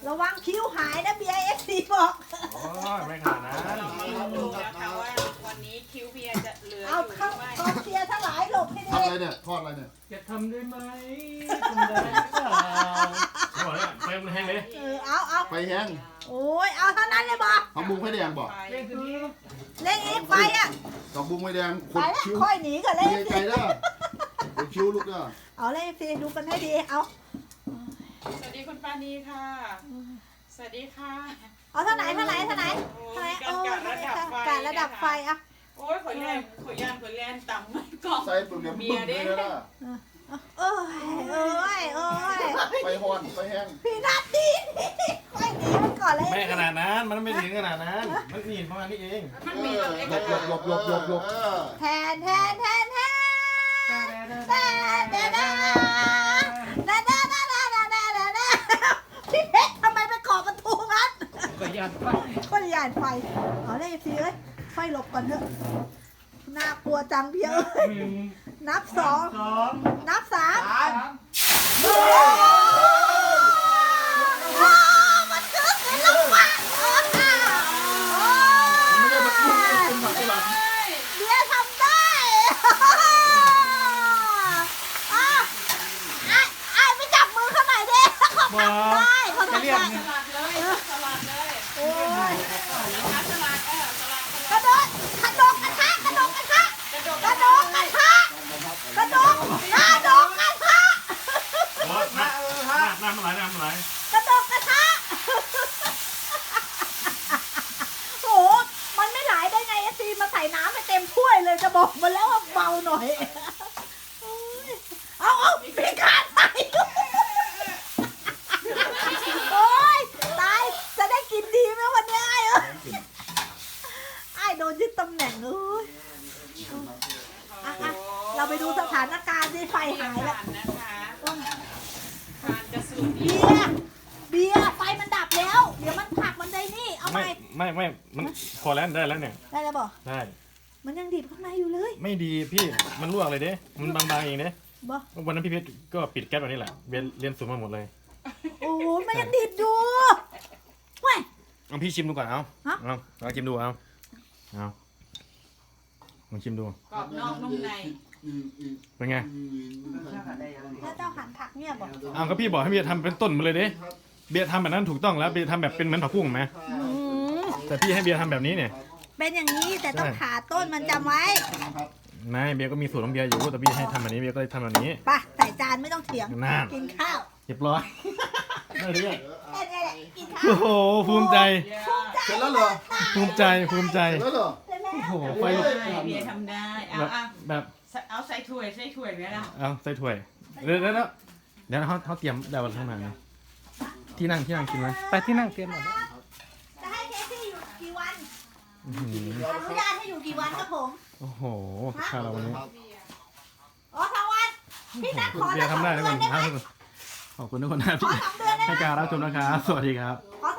ระวังคิ้วหายนะเบียร์FCบอกโอ้ยไม่ขนาดนั้นดูนะคะว่าวันนี้คิวเบียร์จะเหลือเอาอยู่หเข้ารือไม่กองเชียร์ทั้งหลายหลบให้ทำดีอะไรเนี่ยทอดอะไรเนี่ยจะทำได้ไหมทำได้หรือเปล่าเขาบอกเนี่ยไฟมันแห้งเลยเอาไฟแห้งโอ้ยเอาเท่านั้นเลยบอกผักบุ้งไฟแดงบอกไปเล่นตัวนี้เล่นอีกไปอ่ะผักบุ้งไฟแดงคไปนแล้วคิ้วค่อยหนีกันเล่นไกลๆเด้อคนคิ้วลูกเด้อเอาเล่นสิดูกันให้ดีเอาสวัสดีคุณปานีค่ะ สวัสดีค่ะเอาเท่าไหนโอ้การระดับไฟอ่ะโอ้ยขอยแลนต่ำไม่กล่องใส่เปลือกบึ้งเลยนะโอ้ยไฟฮ้อนไฟแห้งพี่นัดดีค่อยหนีมันก่อนเลยไม่ขนาดนั้นมันไม่ถึงขนาดนั้นมันนี่ประมาณนี้เองมันมีตัวเล็กหลบแทนพี่เพชรทำไมไปเกาะประตูงั้นก็ยันไปคนหยาดไฟเอาเลยสิเอ้ยไฟหลบก่อนเถอะน่ากลัวจังเพียเอ้ยหนึ่งนับสองสองนับสามสามมันเกิดขึ้นแล้วว่ะไม่ได้มาพูดเป็นหมักหลักเบียร์ทำได้ไอ้ไม่จับมือเขาหน่อยดิเขาทำได้เขาทำได้สลัดเลยสลัดเลยโอ้ยสลัดสลัดกระโดดกระทะกระโดดกระทะกระโดดกระโดดกระทะกระโดดกระโดดกระทะโอ้ยน้ำมันไหลน้ำมันไหลกระโดดกระทะโอ้มันไม่ไหลได้ไงซีมาใส่น้ำไปเต็มถ้วยเลยจะบอกมาแล้วว่าเบาหน่อยเอามีการใส่โอ้ยตายจะได้กินดีไหมวันนี้ไอ้โดนยึดตำแหน่งเลยเราไปดูสถานการณ์ที่ไฟหายแล้วนะคะทานจะสูตรเบียร์ไฟมันดับแล้ว เดี๋ยวมันผักมันได้นี่เอาไปไม่มันพอแล้วได้แล้วเนี่ยได้แล้วบอกได้มันยังดิบข้างในอยู่เลยไม่ดีพี่มันลวกเลยเด้มันบางๆเองเด้บอกวันนั้นพี่เพชรก็ปิดแก๊สแบบนี้แหละเรียนสูงมาหมดเลยโอ้ยมันยังดิบอยู่เว้ยเอาพี่ชิมดูก่อนเอาฮะเอาชิมดูเอาลองชิมดูกรอบนอกนุ่มในเป็นไงแล้วเจ้าหันผักเนี่ยบอกเอาก็พี่บอกให้เบียร์ทำเป็นต้นมาเลยเด้เบียร์ทำแบบนั้นถูกต้องแล้วเบียร์ทำแบบเป็นเหมือนผักบุ้งไหมแต่พี่ให้เบียร์ทำแบบนี้เนี่ยเป็นอย่างนี้แต่ต้องผ่าต้นมันจำไว้ไม่เบียร์ก็มีสูตรของเบียร์อยู่แต่พี่ให้ทำแบบนี้เบียร์ก็เลยทำแบบนี้ไปใส่จานไม่ต้องเถียงน่ากินข้าวเรียบร้อยได้เลยแค่นี้แหละกินข้าวโอ้โหภูมิใจเสร็จแล้วเหรอภูมิใจเสร็จแล้วเหรอใช่ไหมโอ้โหไฟลุกเบียร์ทำได้เอาแบบเอาใส่ถ้วยไหมล่ะเอาใส่ถ้วยเดี๋ยวเขาเตรียมได้วันข้างหน้านะที่นั่งกินไหมไปที่นั่งเตรียมหมดจะให้เคซี่อยู่กี่วันอื้อหืออนุญาตให้อยู่กี่วันครับผมโอ้โหข้าวเราวันนี้อ๋อทั้งวันพี่นัทขอเบียร์ทำได้ทุกคนได้ไหมขอบคุณทุกคนนะขอที่ 2 เดือนได้ไหมให้การรับชมนะครับสวัสดีครับ